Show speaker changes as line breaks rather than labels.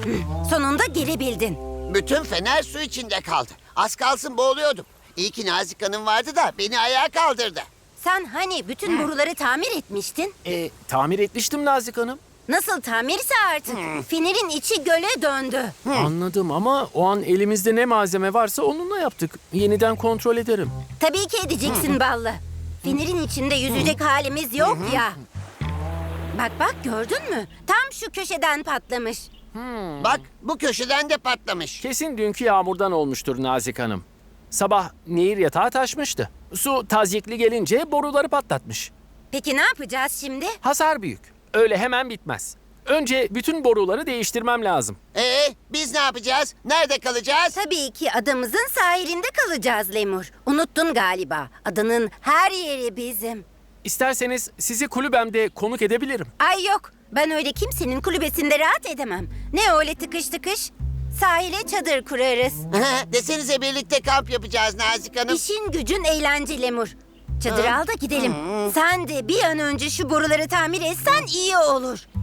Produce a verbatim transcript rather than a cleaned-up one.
Sonunda gelebildin.
Bütün fener su içinde kaldı. Az kalsın boğuluyordum. İyi ki Nazik Hanım vardı da beni ayağa kaldırdı.
Sen hani bütün boruları tamir etmiştin?
E, tamir etmiştim Nazik Hanım.
Nasıl tamirse artık. Fenerin içi göle döndü.
Anladım ama o an elimizde ne malzeme varsa onunla yaptık. Yeniden kontrol ederim.
Tabii ki edeceksin ballı. Fenerin içinde yüzecek halimiz yok ya. Bak bak gördün mü? Tam şu köşeden patlamış.
Bak bu köşeden de patlamış.
Kesin dünkü yağmurdan olmuştur Nazik Hanım. Sabah nehir yatağı taşmıştı. Su tazyikli gelince boruları patlatmış.
Peki ne yapacağız şimdi?
Hasar büyük. Öyle hemen bitmez. Önce bütün boruları değiştirmem lazım.
Ee, biz ne yapacağız? Nerede kalacağız?
Tabii ki adamızın sahilinde kalacağız Lemur. Unuttun galiba. Adanın her yeri bizim.
İsterseniz sizi kulübemde konuk edebilirim.
Ay yok. Ben öyle kimsenin kulübesinde rahat edemem. Ne öyle tıkış tıkış? Sahile çadır kurarız.
Desenize birlikte kamp yapacağız Nazik Hanım.
İşin gücün eğlence Lemur. Çadır al da gidelim. Sen de bir an önce şu boruları tamir etsen iyi olur.